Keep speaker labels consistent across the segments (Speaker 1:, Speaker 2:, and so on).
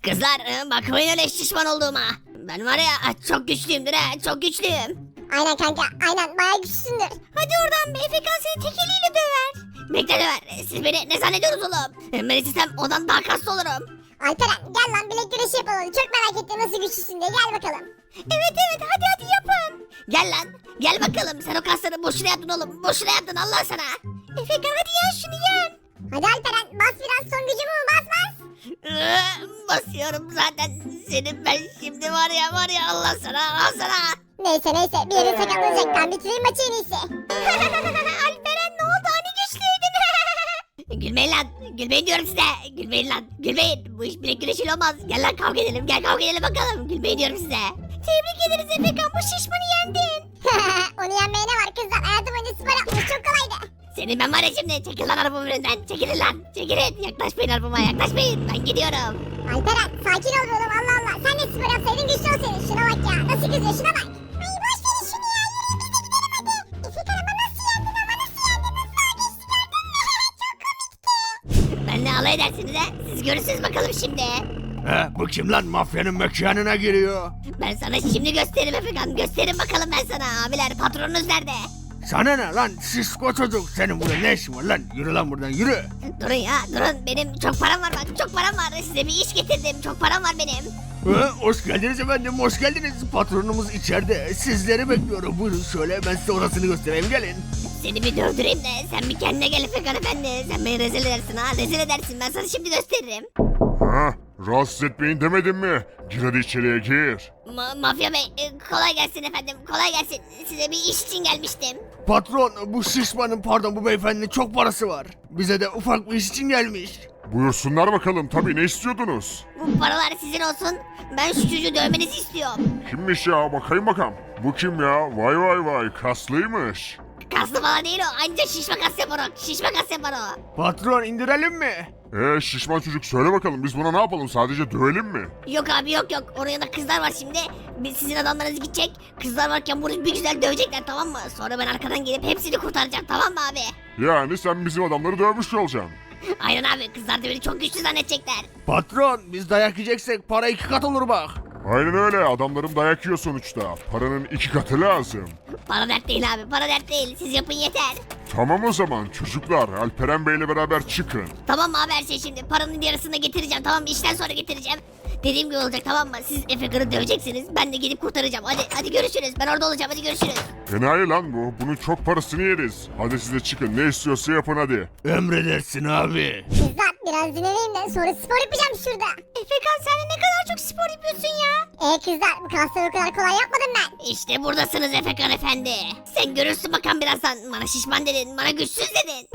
Speaker 1: Kızlar bakmayın öyle şişman olduğuma. Ben var ya çok güçlüyümdür ha, çok güçlüyüm.
Speaker 2: Aynen kanka aynen bayağı güçlüsündür.
Speaker 1: Hadi oradan be, Efekan seni tek eliyle döver. Bekle döver, siz beni ne zannediyorsunuz oğlum? Ben istesem ondan daha kaslı olurum.
Speaker 2: Alperen gel lan bilek güreşi yapalım. Çok merak ettim nasıl güçlüsün diye, gel bakalım.
Speaker 1: Evet hadi yapın. Gel lan gel bakalım, sen o kasları boşuna yaptın oğlum, boşuna yaptın Allah sana. Efekan hadi yen şunu yen.
Speaker 2: Hadi Alperen bas biraz, son gücümü bas bas.
Speaker 1: Basıyorum zaten, senin ben şimdi var ya Allah sana al sana.
Speaker 2: Neyse bir yerin sakatlanacak, ben bitireyim maçı en iyisi.
Speaker 1: Alperen ne oldu, hani güçlüydün? Gülmeyin lan, gülmeyin diyorum size. Gülmeyin lan, gülmeyin. Bu iş bilek güreşiyle olmaz. Gel lan kavga edelim, gel kavga edelim bakalım. Gülmeyin diyorum size. Tebrik ederiz Efekan, bu şişmanı yendin.
Speaker 2: Onu yenmeye ne var kızlar, hayatım boyunca spor yapmış, çok kolaydı.
Speaker 1: Senin ben var ya şimdi, çekil lan arabamın önünden. Çekilin lan, çekilin. Yaklaşmayın arabama, yaklaşmayın. Ben gidiyorum.
Speaker 2: Alperen sakin ol oğlum, Allah Allah. Sen de spor yapsaydın güçlü olsaydın. Şuna bak ya, nasıl kızıyor, şuna bak. Ay boş verin şunu ya, yürüyün biz de gidelim hadi. Efekan ama nasıl yendin, nasıl yendin, nasıl daha geçti gördün mü? Çok komikti.
Speaker 1: Benle alay edersiniz ha. Siz görürsünüz bakalım şimdi.
Speaker 3: He, bu kim lan, mafyanın mekanına giriyor?
Speaker 1: Ben sana şimdi gösteririm Efekan. Gösteririm bakalım ben sana. Abiler, patronunuz nerede?
Speaker 3: Sana ne lan şişko çocuk, senin burada ne işin var lan, yürü lan buradan yürü.
Speaker 1: Durun ya durun, benim çok param var bak, çok param var. Size bir iş getirdim, çok param var benim.
Speaker 3: Hoş geldiniz efendim, hoş geldiniz. Patronumuz içeride, sizleri bekliyorum. Buyurun şöyle, ben size orasını göstereyim, gelin.
Speaker 1: Seni bir dövdüreyim de sen bir kendine gel Efekan efendi. Sen beni rezil edersin ha, rezil edersin, ben sana şimdi gösteririm.
Speaker 4: Ha, rahatsız etmeyin demedim mi? Gir hadi içeriye gir.
Speaker 1: Mafya bey kolay gelsin efendim, kolay gelsin. Size bir iş için gelmiştim.
Speaker 3: Patron, bu şişmanın, pardon bu beyefendinin çok parası var. Bize de ufak bir iş için gelmiş.
Speaker 4: Buyursunlar bakalım, tabii ne istiyordunuz?
Speaker 1: Bu paralar sizin olsun. Ben şu çocuğu dövmenizi istiyorum.
Speaker 4: Kimmiş ya, bakayım bakalım. Bu kim ya? Vay kaslıymış.
Speaker 1: Kaslı falan değil o, anca şişme kas yapar o. Şişme kas yapar o.
Speaker 3: Patron, indirelim mi?
Speaker 4: Şişman çocuk söyle bakalım, biz buna ne yapalım, sadece dövelim mi?
Speaker 1: Yok abi yok. Onun yanında kızlar var şimdi. Biz sizin adamlarınız gidecek. Kızlar varken bunu bir güzel dövecekler, tamam mı? Sonra ben arkadan gelip hepsini kurtaracağım, tamam mı abi?
Speaker 4: Yani sen bizim adamları dövmüş olacaksın.
Speaker 1: Aynen abi, kızlar da beni çok güçlü zannedecekler.
Speaker 3: Patron, biz dayak yiyeceksek para 2 kat olur bak.
Speaker 4: Aynen öyle, adamlarım dayak yiyor sonuçta. Paranın 2 katı lazım.
Speaker 1: Para dert değil abi, para dert değil. Siz yapın yeter.
Speaker 4: Tamam o zaman çocuklar, Alperen Bey'le beraber çıkın.
Speaker 1: Tamam mı abi her şey şimdi? Paranın yarısını getireceğim, tamam mı? İşten sonra getireceğim. Dediğim gibi olacak, tamam mı? Siz Efekan'ı döveceksiniz. Ben de gidip kurtaracağım. Hadi görüşürüz. Ben orada olacağım. Hadi görüşürüz.
Speaker 4: Enayi lan bu, bunun çok parasını yeriz. Hadi siz de çıkın, ne istiyorsa yapın hadi.
Speaker 3: Emredersin abi.
Speaker 2: Kızlar biraz dinleneyim de sonra spor yapacağım şurada.
Speaker 1: Efekan sen ne kadar çok spor yapıyorsun ya.
Speaker 2: Kızlar bu kasları o kadar kolay yapmadım ben.
Speaker 1: İşte buradasınız Efekan efendi. Sen görürsün bakalım birazdan. Bana şişman dedin, bana güçsüz dedin.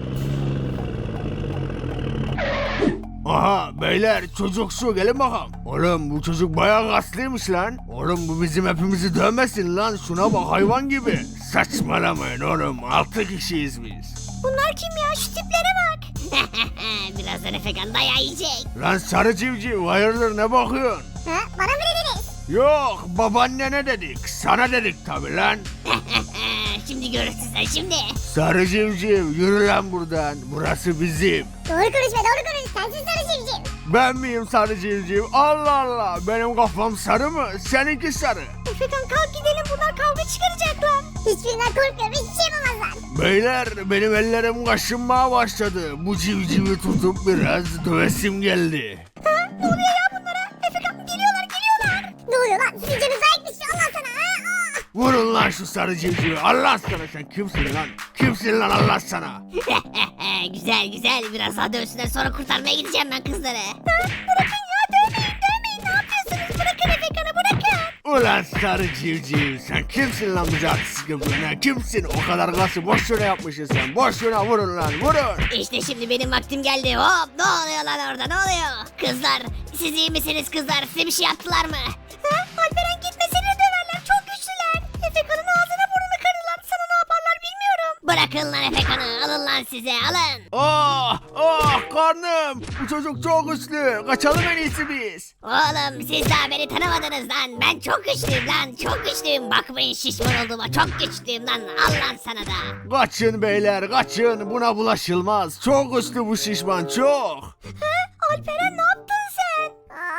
Speaker 3: Aha beyler, çocuk şu, gelin bakalım. Oğlum bu çocuk bayağı kaslıymış lan. Oğlum bu bizim hepimizi dövmesin lan, şuna bak hayvan gibi. Saçmalamayın oğlum, 6 kişiyiz biz.
Speaker 1: Bunlar kim ya? Şu tiplere bak. Birazdan Efekan dayağı yiyecek.
Speaker 3: Lan sarı civciv, hayırdır ne bakıyorsun?
Speaker 2: Ha, bana mı dediniz?
Speaker 3: Yok, babaannene dedik, sana dedik tabi lan.
Speaker 1: Şimdi görürsün sen şimdi.
Speaker 3: Sarı civciv, yürü lan buradan, burası bizim.
Speaker 2: Doğru konuş sensin sarı civciv.
Speaker 3: Ben miyim sarı civciv? Allah Allah, benim kafam sarı mı? Seninki sarı.
Speaker 1: Efekan kalk gidelim, bunlar kavga çıkaracaklar.
Speaker 2: Hiçbirinden korkmuyorum, hiçbir şey yapamazlar.
Speaker 3: Beyler, benim ellerim kaşınmaya başladı. Bu civcivi tutup biraz dövesim geldi.
Speaker 1: Ne oluyor ya bunlara? Efekan geliyorlar.
Speaker 2: Ne oluyor lan, sizin canınız ayıkmış, Allah sana.
Speaker 3: Vurun lan şu sarı civcivi. Allah sana, sen kimsin lan? Kimsin lan Allah sana?
Speaker 1: Güzel. Biraz daha dövsünler, sonra kurtarmaya gideceğim ben kızları. Bırakın ya, dövmeyin. Ne yapıyorsunuz? Bırakın Efekan'ı, bırakın.
Speaker 3: Ulan sarı civciv, sen kimsin lan bize artistik yapıyorsun ha? Kimsin? O kadar gası boş yere yapmışsın sen. Boş yere vurun lan, vurun.
Speaker 1: İşte şimdi benim vaktim geldi. Hop, ne oluyor lan orada, ne oluyor? Kızlar, siz iyi misiniz kızlar? Size bir şey yaptılar mı? Alperen gitme, seni de döverler, çok güçlüler. Efekan'ın ağzına burnunu kırdılar, sana ne yaparlar bilmiyorum. Bırakın lan Efekan'ı, alın lan size, alın.
Speaker 3: Karnım. Bu çocuk çok güçlü. Kaçalım en iyisi biz.
Speaker 1: Oğlum siz daha beni tanımadınız lan. Ben çok güçlüyüm lan, çok güçlüyüm. Bakmayın şişman olduğuma, çok güçlüyüm lan. Al lan sana da.
Speaker 3: Kaçın beyler, kaçın. Buna bulaşılmaz. Çok güçlü bu şişman, çok.
Speaker 1: Alperen ne yaptın sen?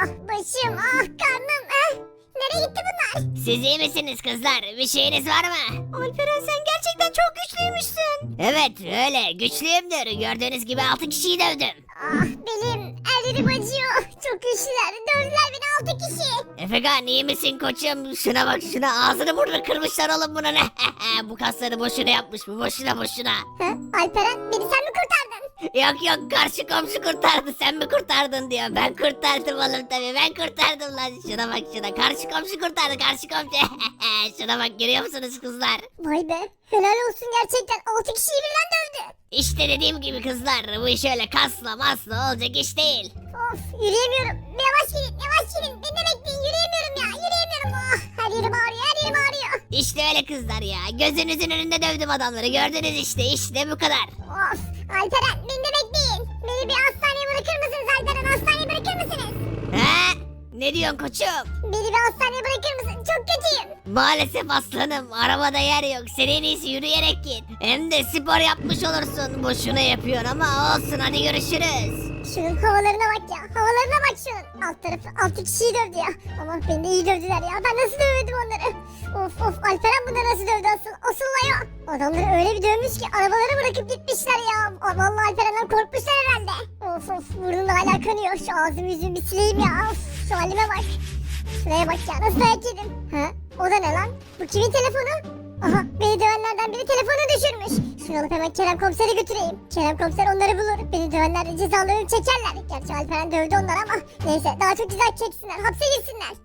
Speaker 2: başım, karnım. Nereye gitti bunlar?
Speaker 1: Siz iyi misiniz kızlar? Bir şeyiniz var mı? Alperen sen gerçekten çok güçlüymüşsün. Evet öyle güçlüyümdür. Gördüğünüz gibi 6 kişiyi dövdüm.
Speaker 2: Belim, ellerim acıyor. Çok güçlüler. Dövdüler beni 6 kişi.
Speaker 1: Efekan iyi misin koçum? Şuna bak şuna ağzını burnunu kırmışlar oğlum buna ne? Bu kasları boşuna yapmış bu boşuna.
Speaker 2: Alperen beni sen mi kurtardın?
Speaker 1: Yok karşı komşu kurtardı sen mi kurtardın diyor. Ben kurtardım oğlum tabii ben kurtardım lan. Şuna bak şuna karşı komşu kurtardı karşı komşu. Şuna bak görüyor musunuz kızlar?
Speaker 2: Vay be. Helal olsun gerçekten. 6 kişiyi birden dövdü.
Speaker 1: İşte dediğim gibi kızlar bu iş öyle kasla masla olacak iş değil.
Speaker 2: Of yürüyemiyorum. Yavaş gidin yavaş gidin. Beni de bekleyin yürüyemiyorum ya. Yürüyemiyorum. Her yerim ağrıyor her yerim ağrıyor.
Speaker 1: İşte öyle kızlar ya gözünüzün önünde dövdüm adamları gördünüz işte bu kadar.
Speaker 2: Of Alperen beni de bekleyin. Beni bir hastaneye bırakır mısınız Alperen? Hastaneye bırakır mısınız?
Speaker 1: He? Ne diyorsun koçum?
Speaker 2: Beni bir hastaneye bırakır mısın? Çok kötüyüm.
Speaker 1: Maalesef aslanım arabada yer yok sen en iyisi yürüyerek git. Hem de spor yapmış olursun boşuna yapıyorsun ama olsun hadi görüşürüz.
Speaker 2: Şunun havalarına bak ya. Havalarına bak şunun. Alt tarafı 6 kişiyi dövdü ya. Ama beni de iyi dövdüler ya. Ben nasıl dövmedim onları? Of Alperen bunları nasıl dövdü asıl olay o. Adamları öyle bir dövmüş ki arabaları bırakıp gitmişler ya. Vallahi Alperen'den korkmuşlar herhalde. Of burnum da hala kanıyor. Şu ağzımı yüzümü bir sileyim ya. Of şu halime bak. Şuraya bak ya nasıl dayak yedim. Ha? O da ne lan? Bu kimin telefonu? Aha beni dövenlerden biri telefonu düşürmüş. Şunu alıp hemen Kerem komisere götüreyim. Kerem komiser onları bulur. Beni dövenler de cezalarını çekerler. Gerçi Alperen dövdü onları ama neyse daha çok ceza çeksinler. Hapse girsinler.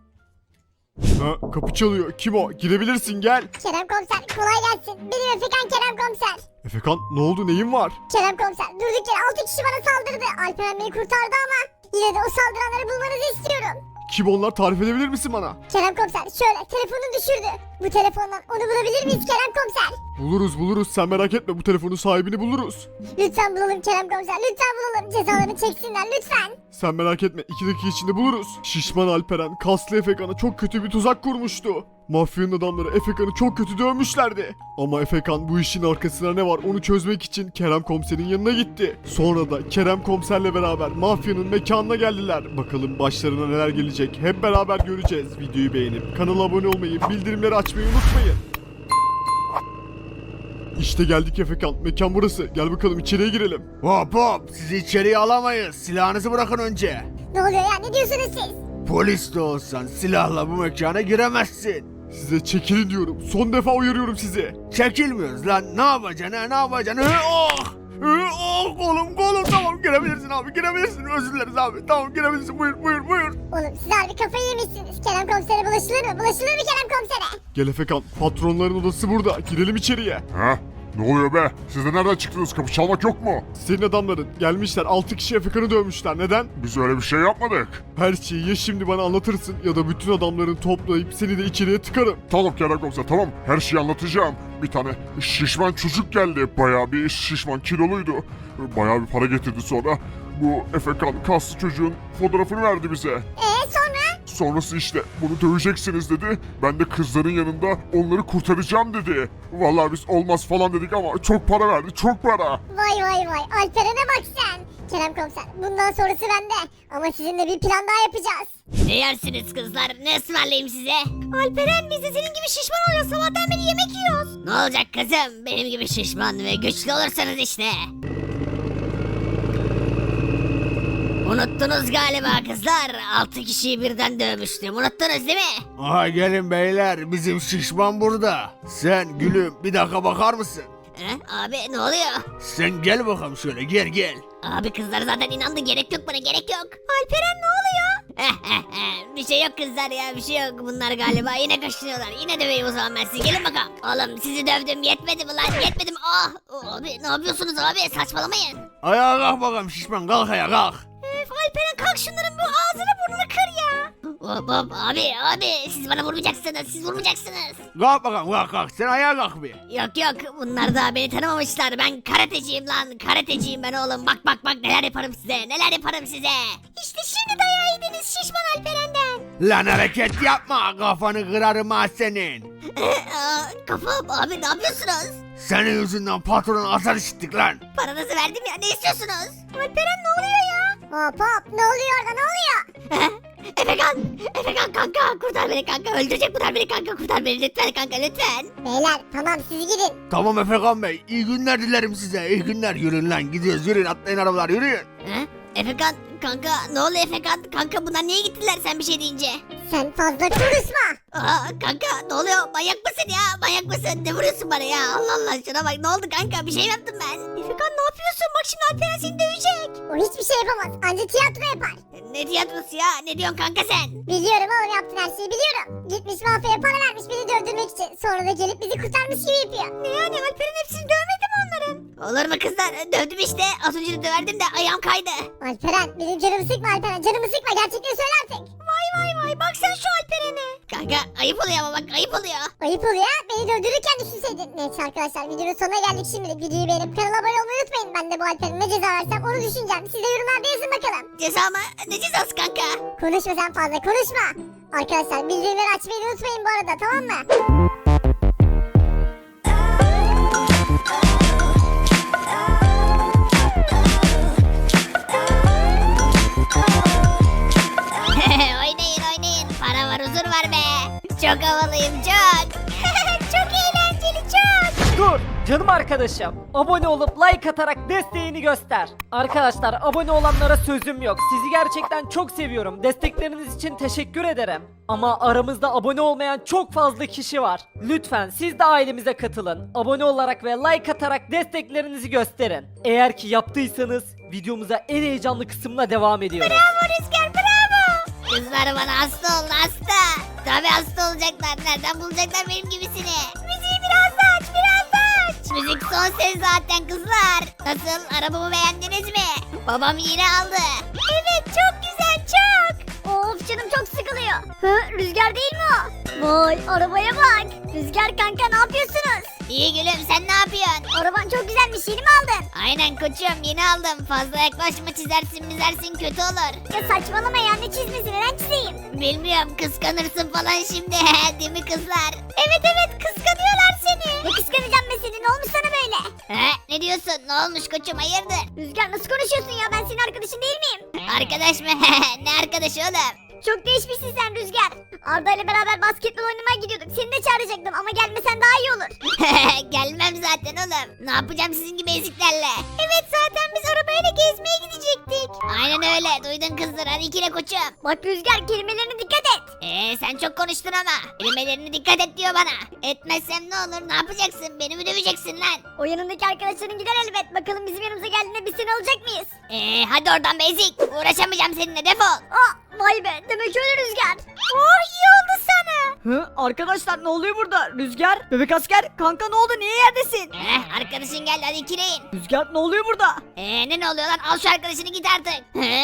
Speaker 5: Ha, kapı çalıyor. Kim o? Girebilirsin gel.
Speaker 2: Kerem komiser kolay gelsin. Benim Efekan Kerem komiser.
Speaker 5: Efekan ne oldu neyin var?
Speaker 2: Kerem komiser durduk yere 6 kişi bana saldırdı. Alperen beni kurtardı ama yine de o saldıranları bulmanızı istiyorum.
Speaker 5: Kim onlar tarif edebilir misin bana?
Speaker 2: Kerem komiser şöyle telefonu düşürdü. Bu telefondan onu bulabilir miyiz Kerem komiser?
Speaker 5: Buluruz sen merak etme bu telefonun sahibini buluruz.
Speaker 2: Lütfen bulalım Kerem komiser lütfen bulalım. Cezalarını çeksinler lütfen.
Speaker 5: Sen merak etme 2 dakika içinde buluruz. Şişman Alperen kaslı Efekan'a çok kötü bir tuzak kurmuştu. Mafyanın adamları Efekan'ı çok kötü dövmüşlerdi. Ama Efekan bu işin arkasında ne var onu çözmek için Kerem komiserin yanına gitti. Sonra da Kerem komiserle beraber mafyanın mekanına geldiler. Bakalım başlarına neler gelecek hep beraber göreceğiz. Videoyu beğenip kanala abone olmayı, bildirimleri açmayı unutmayın. İşte geldik Efekan. Mekan burası. Gel bakalım içeriye girelim.
Speaker 3: Hop sizi içeriye alamayız. Silahınızı bırakın önce.
Speaker 2: Ne oluyor ya ne diyorsunuz siz?
Speaker 3: Polis de olsan silahla bu mekana giremezsin.
Speaker 5: Size çekilin diyorum. Son defa uyarıyorum sizi.
Speaker 3: Çekilmiyoruz lan. Ne yapacaksın ha? Ne yapacaksın? Kolum tamam girebilirsin abi girebilirsin. Özür dileriz abi. Tamam girebilirsin. Buyur.
Speaker 2: Oğlum siz harbi kafayı yemişsiniz. Kerem komisere bulaşılır mı? Bulaşılır mı Kerem komisere?
Speaker 5: Gel Efekan. Patronların odası burada. Girelim içeriye.
Speaker 4: Ha? Ne oluyor be? Siz de nereden çıktınız? Kapı çalmak yok mu?
Speaker 5: Senin adamların gelmişler 6 kişi Efekan'ı dövmüşler. Neden?
Speaker 4: Biz öyle bir şey yapmadık.
Speaker 5: Her şeyi ya şimdi bana anlatırsın ya da bütün adamlarını toplayıp seni de içeriye tıkarım.
Speaker 4: Tamam Kerem komiser tamam. Her şeyi anlatacağım. Bir tane şişman çocuk geldi. Bayağı bir şişman kiloluydu. Bayağı bir para getirdi sonra. Bu Efekan kaslı çocuğun fotoğrafını verdi bize.
Speaker 2: Sonra?
Speaker 4: Sonrası işte bunu döveceksiniz dedi. Ben de kızların yanında onları kurtaracağım dedi. Vallahi biz olmaz falan dedik ama çok para verdi çok para.
Speaker 2: Vay Alperen'e bak sen. Kerem komiser bundan sonrası bende. Ama sizinle bir plan daha yapacağız.
Speaker 1: Ne yersiniz kızlar ne ısmarlayayım size? Alperen biz de senin gibi şişman oluyoruz sabahtan beri yemek yiyoruz. Ne olacak kızım benim gibi şişman ve güçlü olursanız işte. Unuttunuz galiba kızlar. 6 kişiyi birden dövmüştüm. Unuttunuz değil mi?
Speaker 3: Aha gelin beyler. Bizim şişman burada. Sen gülüm bir dakika bakar mısın?
Speaker 1: Abi ne oluyor?
Speaker 3: Sen gel bakalım şöyle gel.
Speaker 1: Abi kızlar zaten inandı. Gerek yok bana gerek yok. Alperen ne oluyor? Bir şey yok kızlar ya bir şey yok. Bunlar galiba yine kaşınıyorlar. Yine döveyim o zaman ben sizi. Gelin bakalım. Oğlum sizi dövdüm yetmedi mi lan? Yetmedi mi? Abi ne yapıyorsunuz abi? Saçmalamayın.
Speaker 3: Ayağa kalk bakalım şişman kalk ayağa kalk.
Speaker 1: Alperen kalk şunların bu ağzını burnunu kır ya. Hop abi siz bana vurmayacaksınız siz vurmayacaksınız.
Speaker 3: Kalk bakalım kalk sen ayağa kalk bir.
Speaker 1: Yok bunlar daha beni tanımamışlar ben karateciyim lan karateciyim ben oğlum bak neler yaparım size. İşte şimdi dayağı yediniz şişman Alperen'den.
Speaker 3: Lan hareket yapma kafanı kırarım ha senin.
Speaker 1: Kafam abi ne yapıyorsunuz?
Speaker 3: Senin yüzünden patronun azar işittik lan.
Speaker 1: Paranızı verdim ya ne istiyorsunuz? Alperen ne oluyor ya?
Speaker 2: Hop ne oluyor orada ne oluyor?
Speaker 1: Efekan kanka kurtar beni kanka. Öldürecek bunlar beni kanka, kurtar beni lütfen kanka lütfen.
Speaker 2: Beyler tamam siz gidin.
Speaker 3: Tamam Efekan Bey, iyi günler dilerim size, iyi günler. Yürüyün lan, gidiyoruz, yürüyün, atlayın arabalar, yürüyün.
Speaker 1: He? Efekan kanka ne oluyor Efekan? Kanka bunlar niye gittiler sen bir şey deyince?
Speaker 2: Sen fazla konuşma.
Speaker 1: Aa kanka ne oluyor? Manyak mısın ya? Manyak mısın? Ne vuruyorsun bana ya? Allah Allah şuna bak, ne oldu kanka? Bir şey mi yaptım ben? Efekan ne yapıyorsun? Bak şimdi Alperen seni dövecek.
Speaker 2: O hiçbir şey yapamaz. Anca tiyatro yapar.
Speaker 1: Ne tiyatrosu ya? Ne diyorsun kanka sen?
Speaker 2: Biliyorum oğlum, yaptın her şeyi biliyorum. Gitmiş mafyaya para vermiş bizi dövdürmek için. Sonra da gelip bizi kurtarmış gibi yapıyor.
Speaker 1: Ne yani, Alperen hepsini dövmedi mi onların? Olur mu kızlar? Dövdüm işte. Az önce de döverdim de ayağım kaydı.
Speaker 2: Alperen benim canımı sıkma Alperen. Canımı sıkma, gerçekten söyle artık.
Speaker 1: Vay bak sen şu Alperen'e. Kanka ayıp oluyor ama bak, ayıp oluyor.
Speaker 2: Ayıp oluyor ya. Beni dövdürürken düşünseydin. Neyse arkadaşlar, videonun sonuna geldik şimdi. Videoyu beğenip kanala abone olmayı unutmayın. Ben de bu Alperen'e ne ceza versem onu düşüneceğim. Siz de yorumlarda yazın bakalım.
Speaker 1: Ceza mı? Ne cezası kanka?
Speaker 2: Konuşma sen, fazla konuşma. Arkadaşlar bildirimleri açmayı unutmayın bu arada, tamam mı?
Speaker 1: oynayın. Para var, huzur var be. Çok havalıyım çok. Çok eğlenceli çok.
Speaker 6: Dur canım arkadaşım. Abone olup like atarak desteğini göster. Arkadaşlar abone olanlara sözüm yok. Sizi gerçekten çok seviyorum. Destekleriniz için teşekkür ederim. Ama aramızda abone olmayan çok fazla kişi var. Lütfen siz de ailemize katılın. Abone olarak ve like atarak desteklerinizi gösterin. Eğer ki yaptıysanız videomuza en heyecanlı kısımla devam ediyoruz.
Speaker 1: Bravo Rüzgar, bravo. Kızlar bana hasta oldu, hasta. Tabii hasta olacaklar. Nereden bulacaklar benim gibisini? Müziği biraz daha aç, biraz daha aç. Müzik son ses zaten kızlar. Nasıl, arabamı beğendiniz mi? Babam yine aldı. Evet çok güzel çok.
Speaker 2: Of canım çok sıkılıyor. Hı, Rüzgar değil mi o? Vay arabaya bak. Rüzgar kanka ne yapıyorsunuz?
Speaker 1: İyi gülüm, sen ne yapıyorsun?
Speaker 2: Araban çok güzelmiş, yeni mi aldın?
Speaker 1: Aynen koçum, yeni aldım. Fazla yaklaşma, çizersin kötü olur.
Speaker 2: Ya saçmalama ya, ne çizmesi, neden çizeyim?
Speaker 1: Bilmiyorum, kıskanırsın falan şimdi. Değil mi kızlar? Evet kıskanıyorlar seni.
Speaker 2: Ne kıskanacağım ben seni, ne olmuş sana böyle?
Speaker 1: He, ne diyorsun? Ne olmuş koçum, hayırdır?
Speaker 2: Rüzgar nasıl konuşuyorsun ya, ben senin arkadaşın değil miyim?
Speaker 1: Arkadaş mı? Ne arkadaşı oğlum?
Speaker 2: Çok değişmişsin sen Rüzgar. Arda ile beraber basketbol oynamaya gidiyorduk. Seni de çağıracaktım ama gelmesen daha iyi olur.
Speaker 1: Gelmem zaten oğlum. Ne yapacağım sizin gibi eziklerle? Evet, zaten biz arabayla gezmeye gidecektik. Aynen öyle, duydun kızlar, hadi ikile koçum.
Speaker 2: Bak Rüzgar, kelimelerine dikkat et.
Speaker 1: Sen çok konuştun ama. Kelimelerine dikkat et diyor bana. Etmezsem ne olur, ne yapacaksın? Beni mi döveceksin lan?
Speaker 2: O yanındaki arkadaşların gider elbet. Bakalım bizim yanımıza geldiğinde biz seni alacak mıyız?
Speaker 1: Hadi oradan be ezik. Uğraşamayacağım seninle, defol.
Speaker 2: Vay be, demek öyle Rüzgar.
Speaker 1: Oh, iyi oldu sana.
Speaker 6: Hı, arkadaşlar ne oluyor burada? Rüzgar, bebek asker, kanka ne oldu? Niye yerdesin?
Speaker 1: Arkadaşın geldi, hadi ikileyin.
Speaker 6: Rüzgar ne oluyor burada?
Speaker 1: Ne oluyor lan? Al şu arkadaşını, git artık.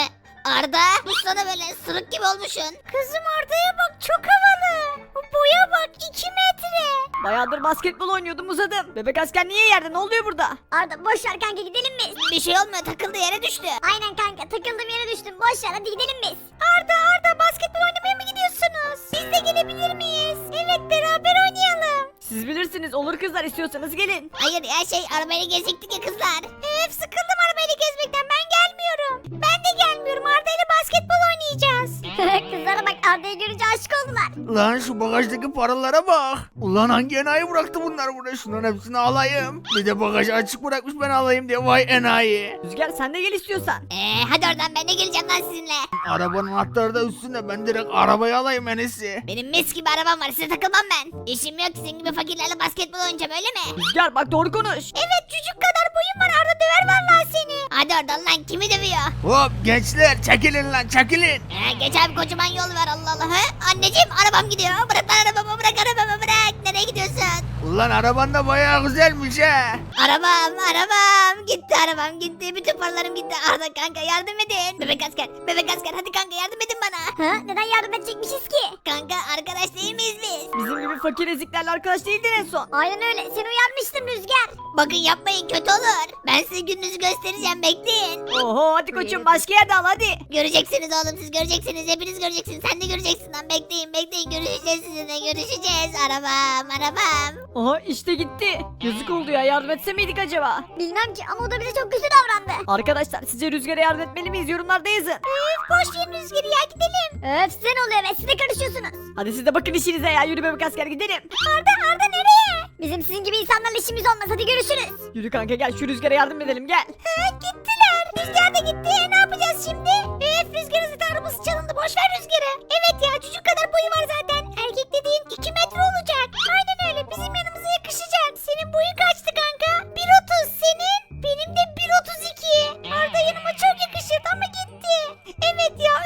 Speaker 1: Arda, bu sana böyle sırık gibi olmuşsun. Kızım Arda'ya bak, çok havalı. Boya bak, 2 metre.
Speaker 6: Bayağıdır basketbol oynuyordum, uzadım. Bebek asker niye yerde? Ne oluyor burada?
Speaker 2: Arda boş ver kanka, gidelim biz.
Speaker 1: Bir şey olmuyor, takıldı yere düştü.
Speaker 2: Aynen kanka, takıldım yere düştüm. Boş ver, hadi gidelim biz.
Speaker 1: Arda basketbol oynamaya mı gidiyorsunuz? Biz de gelebilir miyiz? Evet, beraber oynayalım.
Speaker 6: Siz bilirsiniz, olur kızlar, istiyorsanız gelin.
Speaker 1: Hayır ya, arabayla gezecektik ya kızlar. Sıkıldım arabayla gezmekten, ben gelmiyorum. Ben de gelmiyorum, Arda ile basketbol oynayacağız.
Speaker 2: Kızlara bak, Arda'yı görünce aşık oldular.
Speaker 3: Lan şu bagajdaki paralara bak. Ulan hangi enayi bıraktı bunlar burada? Şunların hepsini alayım. Bir de bagajı açık bırakmış, ben alayım diye, vay enayi.
Speaker 6: Rüzgar sen de gel istiyorsan.
Speaker 1: Hadi oradan, ben de geleceğim lan sizinle.
Speaker 3: Arabanın anahtarı da üstünde, ben direkt arabayı alayım en iyisi.
Speaker 1: Benim mis gibi arabam var, size takılmam ben. İşim yok, sizin gibi fakirlerle basketbol oynayacağım, öyle mi?
Speaker 6: Rüzgar bak doğru konuş.
Speaker 1: Evet, çocuk kadar boyum var, Arda döver vallahi seni. Hadi oradan lan, kimi dövüyor?
Speaker 3: Hop gençler, çekilin lan, çekilin.
Speaker 1: Geç abi, kocaman yol var, Allah Allah. Anneciğim, arabam gidiyor. Bırak lan arabamı, bırak arabamı, bırak. Nereye gidiyorsun?
Speaker 3: Ulan araban da bayağı güzelmiş ha.
Speaker 1: Arabam gitti. Bütün paralarım gitti. Arda kanka, yardım edin. Bebek asker, hadi kanka yardım edin bana.
Speaker 2: Neden yardım edecekmişiz ki?
Speaker 1: Kanka, arkadaş değil miyiz biz?
Speaker 6: Bizim gibi
Speaker 7: gibi fakir eziklerle arkadaş değildin en son.
Speaker 2: Aynen öyle. Seni uyarmıştım Rüzgar.
Speaker 1: Bakın yapmayın, kötü olur. Ben size gününüzü göstereceğim, bekleyin.
Speaker 7: Oho hadi koçum başka yerde al hadi.
Speaker 1: Göreceksiniz oğlum, siz göreceksiniz, hepiniz göreceksiniz. Sen de göreceksin lan, bekleyin görüşeceğiz sizinle, görüşeceğiz. Arabam.
Speaker 7: Aha işte gitti. Yazık oldu ya, yardım etse miydik acaba?
Speaker 2: Bilmem ki ama o da bize çok kötü davrandı.
Speaker 7: Arkadaşlar sizce Rüzgar'a yardım etmeli miyiz, yorumlarda yazın.
Speaker 2: Boş verin Rüzgar'ı ya, gidelim. Öf size ne oluyor be, siz de karışıyorsunuz.
Speaker 7: Hadi siz de bakın işinize ya, yürü bebek asker gidelim.
Speaker 2: Arda nereye? Bizim sizin gibi insanlarla işimiz olmaz, hadi görüşürüz.
Speaker 7: Yürü kanka gel, şu Rüzgar'a yardım edelim gel.
Speaker 2: Gittiler. Rüzgar da gitti. Ne yapacağız şimdi? Rüzgar'ın zaten arabası çalındı. Boş ver Rüzgar'ı. Evet ya, çocuk kadar boyu var zaten. Erkek dediğin 2 metre olacak. Aynen öyle. Bizim yanımıza yakışacak. Senin boyun kaçtı kanka? 1.30 senin. Benim de 1.32. Arda yanıma çok yakışırdı ama gitti. Evet ya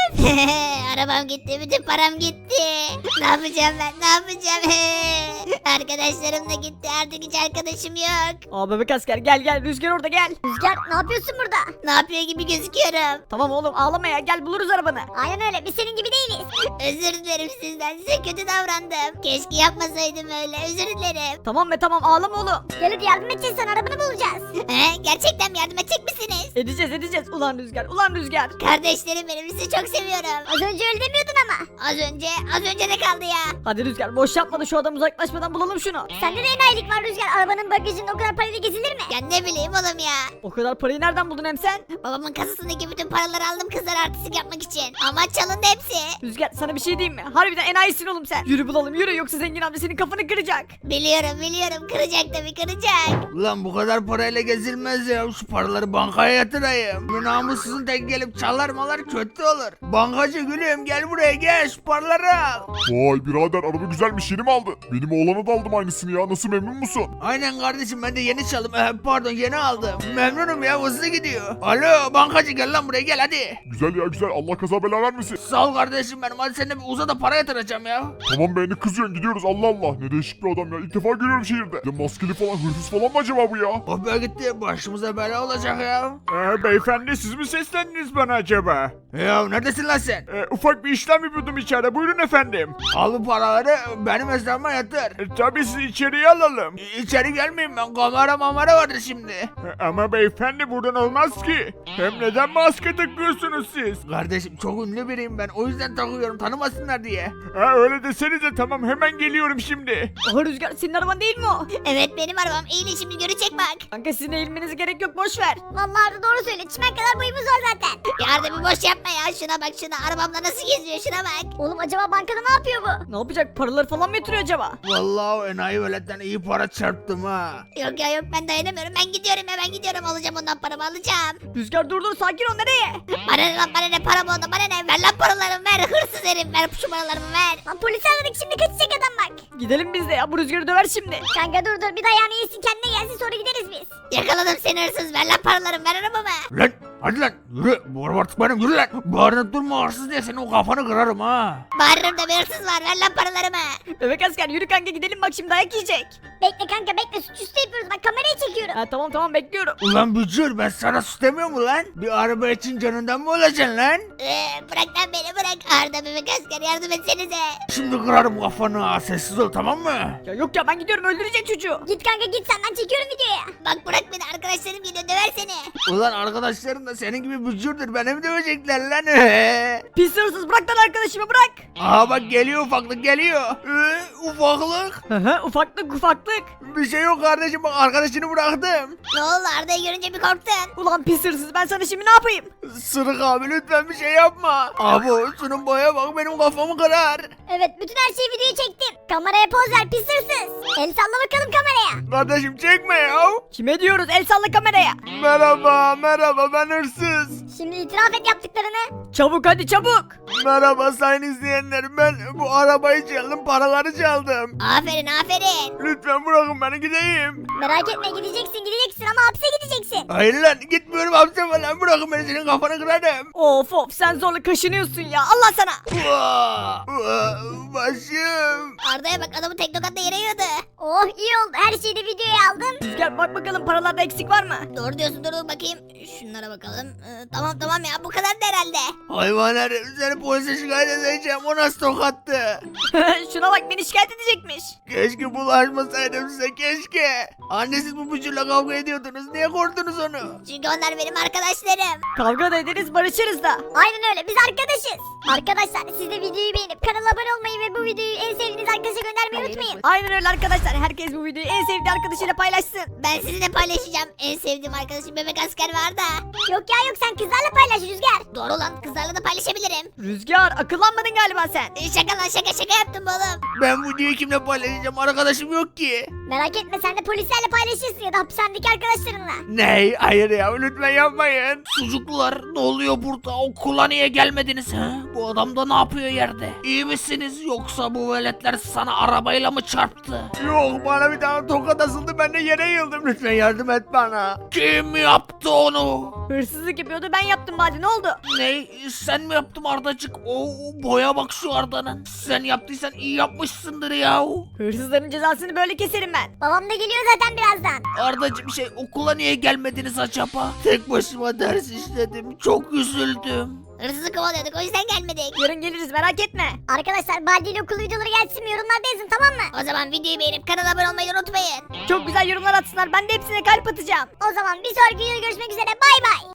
Speaker 1: Arabam gitti, bütün param gitti. Ne yapacağım ben, ne yapacağım? Arkadaşlarım da gitti, artık hiç arkadaşım yok.
Speaker 7: Aa bebek asker gel Rüzgar orada gel.
Speaker 2: Rüzgar ne yapıyorsun burada?
Speaker 1: Ne yapıyor gibi gözüküyorum.
Speaker 7: Tamam oğlum ağlama ya, gel buluruz arabanı.
Speaker 2: Aynen öyle. Biz senin gibi değiliz.
Speaker 1: Özür dilerim sizden, size kötü davrandım. Keşke yapmasaydım öyle, özür dilerim.
Speaker 7: Tamam be tamam, ağlama oğlum.
Speaker 2: Gel hadi yardım edeceğiz sana. Arabanı bulacağız.
Speaker 1: Gerçekten mi, yardım edecek misiniz?
Speaker 7: Edeceğiz ulan Rüzgar.
Speaker 1: Kardeşlerim benim, sizi çok seviyorum.
Speaker 2: Az önce öyle demiyordun ama.
Speaker 1: Az önce ne kaldı ya?
Speaker 7: Hadi Rüzgar boş yapma da şu adam uzaklaşmadan bulalım şunu.
Speaker 2: Sende de enayilik var Rüzgar. Arabanın bagajında o kadar parayla gezilir mi?
Speaker 1: Ya ne bileyim oğlum ya.
Speaker 7: O kadar parayı nereden buldun hem sen?
Speaker 1: Babamın kasasındaki bütün paraları aldım kızlar artistik yapmak için. Ama çalındı hepsi.
Speaker 7: Rüzgar sana bir şey diyeyim mi? Harbiden enayisin oğlum sen. Yürü bulalım yürü, yoksa zengin amca senin kafanı kıracak.
Speaker 1: Biliyorum, kıracak tabii, kıracak.
Speaker 3: Ulan bu kadar parayla gezilmez ya. Şu paraları bankaya yatırayım. Bu namussuzun tek gelip çalar malar kötü olur. Bankacı gülüm gel buraya gel, şu paraları al.
Speaker 4: Vay birader, araba güzelmiş, yeni mi aldın? Benim oğlana da aldım aynısını ya, nasıl, memnun musun?
Speaker 3: Aynen kardeşim, ben de yeni çaldım. Pardon, yeni aldım. Memnunum ya, hızlı gidiyor. Alo bankacı, gel lan buraya, gel hadi.
Speaker 4: Güzel ya güzel, Allah kaza bela vermesin.
Speaker 3: Sağ ol kardeşim benim, hadi sen de bir uza da para yatıracağım ya.
Speaker 4: Tamam be, ne kızıyorsun, gidiyoruz, Allah Allah. Ne değişik bir adam ya, ilk defa görüyorum şehirde. Ya maskeli falan, hırsız falan mı acaba bu ya?
Speaker 3: O be gitti, başımıza bela olacak ya.
Speaker 8: Beyefendi siz mi seslendiniz bana acaba?
Speaker 3: Ya neredesin lan sen?
Speaker 8: Ufak bir işlem yapıyordum içeride, buyurun efendim.
Speaker 3: Al bu paraları benim hesabıma yatır.
Speaker 8: Tabii sizi içeriye alalım.
Speaker 3: İçeri gelmeyeyim ben, kamera vardır şimdi.
Speaker 8: Ama beyefendi buradan olmaz ki. Hem neden maske takıyorsunuz siz?
Speaker 3: Kardeşim çok ünlü biriyim ben, o yüzden takıyorum, tanımasınlar diye.
Speaker 8: Öyle desenize, tamam hemen geliyorum şimdi.
Speaker 7: Aha Rüzgar senin araban değil mi o?
Speaker 1: Evet benim arabam, eğilin şimdi görecek bak.
Speaker 7: Kanka sizin eğilmenize gerek yok, boş ver.
Speaker 2: Vallahi Arda doğru söyle. Çimen kadar boyumuz var zaten.
Speaker 1: Yardım bir boş yapma ya, şuna bak şuna, arabamla nasıl geziyor, şuna bak.
Speaker 2: Oğlum acaba bankada ne yapıyor bu?
Speaker 7: Ne yapacak, paraları falan mı yatırıyor acaba?
Speaker 3: Vallahi o enayi veletten iyi para çarptım ha.
Speaker 1: Yok ya yok, ben dayanamıyorum, ben gidiyorum, alacağım ondan paramı, alacağım.
Speaker 7: Rüzgar dur sakin ol, nereye?
Speaker 1: Bana ne lan, bana ne, param oldu, bana ne, ver lan paralarımı, ver hırsız herif, ver şu paralarımı ver.
Speaker 2: Lan polisi aradık, şimdi kaçacak adam bak.
Speaker 7: Gidelim biz de ya, bu Rüzgar'ı döver şimdi.
Speaker 2: Kanka dur bir dayağını yesin, kendine gelsin, sonra gideriz biz.
Speaker 1: Yakaladım seni hırsız, ver lan paralarımı, ver arabamı.
Speaker 3: Lan hadi lan yürü, bu araba artık benim, yürü lan. Bağırıp durma hırsız diye senin o kafanı kırarım ha.
Speaker 1: Bağırırım da bir hırsız var, ver lan paralarımı.
Speaker 7: Bebek asker yürü kanka gidelim, bak şimdi dayak yiyecek.
Speaker 2: Bekle kanka bekle, suçüstü yapıyoruz, bak kamerayı çekiyorum.
Speaker 7: Ha tamam bekliyorum.
Speaker 3: Ulan bücür, ben sana sus demiyor mu lan? Bir araba için canından mı olacaksın lan?
Speaker 1: Bırak lan beni, bırak. Arda bebek asker, yardım etsenize.
Speaker 3: Şimdi kırarım kafanı ha, sessiz ol tamam mı?
Speaker 7: Ya yok ya, ben gidiyorum, öldürecek çocuğu.
Speaker 2: Git kanka git, sen, ben çekiyorum videoya.
Speaker 1: Bak bırak beni, arkadaşlarım geliyor, döver seni.
Speaker 3: Ulan arkadaşların da senin gibi bücürdür, beni mi dövecekler lan?
Speaker 7: Pis hırsız, bırak lan arkadaşımı, bırak.
Speaker 3: Aha bak geliyor, ufaklık geliyor. Ufaklık.
Speaker 7: Hı ufaklık.
Speaker 3: Bir şey yok kardeşim, bak arkadaşını bıraktım.
Speaker 1: Ne oldu, Arda'yı görünce bir korktun.
Speaker 7: Ulan pis hırsız, ben sana şimdi ne yapayım?
Speaker 3: Sırık abi lütfen bir şey yapma. Abi şunun boya bak, benim kafamı kırar.
Speaker 2: Evet, bütün her şeyi videoya çektim. Kameraya poz ver, pis hırsız. El salla bakalım kameraya.
Speaker 3: Kardeşim çekme ya.
Speaker 7: Kime diyoruz, el salla kameraya.
Speaker 3: Merhaba ben hırsız.
Speaker 2: Şimdi itiraf et yaptıklarını.
Speaker 7: Çabuk hadi çabuk.
Speaker 3: Merhaba sayın izleyenler, ben bu arabayı çaldım, paraları çaldım.
Speaker 1: Aferin.
Speaker 3: Lütfen bırakın beni gideyim.
Speaker 2: Merak etme, gideceksin ama hapse gideceksin.
Speaker 3: Hayır lan, gitmiyorum hapse falan, bırakın beni, senin kafanı kırarım.
Speaker 7: Of sen zorla kaşınıyorsun ya, Allah sana.
Speaker 3: Başım.
Speaker 1: Arda'ya bak, adamı tek tokatla yere yiyordu.
Speaker 2: Oh iyi oldu her şeyi de videoya aldım.
Speaker 7: Rüzgar bak bakalım paralarda eksik var mı?
Speaker 1: Doğru diyorsun, dur bakayım. Şunlara bakalım. Tamam ya, bu kadar da herhalde.
Speaker 3: Hayvan herif, seni polise şikayet edeceğim. O nasıl tokattı?
Speaker 7: Şuna bak, beni şikayet edecekmiş.
Speaker 3: Keşke bulaşmasaydım size, keşke. Annesiz bu bücürle kavga ediyordunuz. Niye korktunuz onu?
Speaker 1: Çünkü onlar benim arkadaşlarım.
Speaker 7: Kavga da ederiz, barışırız da.
Speaker 2: Aynen öyle biz arkadaşız. Arkadaşlar siz de videoyu beğenip kanala abone olmayı ve bu videoyu en sevdiğiniz arkadaşa göndermeyi unutmayın.
Speaker 7: Aynen öyle arkadaşlar, herkes bu videoyu en sevdiği arkadaşıyla paylaşsın.
Speaker 1: Ben sizinle paylaşacağım. En sevdiğim arkadaşım bebek asker var da.
Speaker 2: Yok ya yok sen kızlarla paylaş Rüzgar.
Speaker 1: Doğru lan, kızlarla da paylaşabilirim.
Speaker 7: Rüzgar akıllanmadın galiba sen.
Speaker 1: Şaka lan, şaka yaptım oğlum.
Speaker 3: Ben bu videoyu kimle paylaşacağım? Arkadaşım yok ki.
Speaker 2: Merak etme sen de polislerle paylaşırsın ya da hapishanedeki arkadaşlarınla.
Speaker 3: Ney? Hayır ya, lütfen yapmayın. Sucuklar, ne oluyor burada? Okula niye gelmediniz ha? Bu adam da ne yapıyor yerde? İyi misiniz, yoksa bu veletler sana arabayla mı çarptı? Yok, bana bir tane tokat asıldı, ben de yere yıldım. Lütfen yardım et bana. Kim yaptı onu?
Speaker 7: Hırsızlık yapıyordu, ben yaptım hadi, ne oldu?
Speaker 3: Ne? Sen mi yaptın Ardacık? O boya bak şu Arda'nın. Sen yaptıysan iyi yapmışsındır ya.
Speaker 7: Hırsızların cezasını böyle keserim ben.
Speaker 2: Babam da geliyor zaten birazdan.
Speaker 3: Ardacığım okula niye gelmediniz acaba? Tek başıma ders işledim. Çok üzüldüm.
Speaker 1: Hırsızı kovalıyorduk, o yüzden gelmedik.
Speaker 7: Yarın geliriz, merak etme.
Speaker 2: Arkadaşlar Baldi ile okul videoları gelsin mi yorumlarda yazın tamam mı?
Speaker 1: O zaman videoyu beğenip kanala abone olmayı unutmayın.
Speaker 7: Çok güzel yorumlar atsınlar, ben de hepsine kalp atacağım.
Speaker 2: O zaman bir sonraki videoda görüşmek üzere bay bay.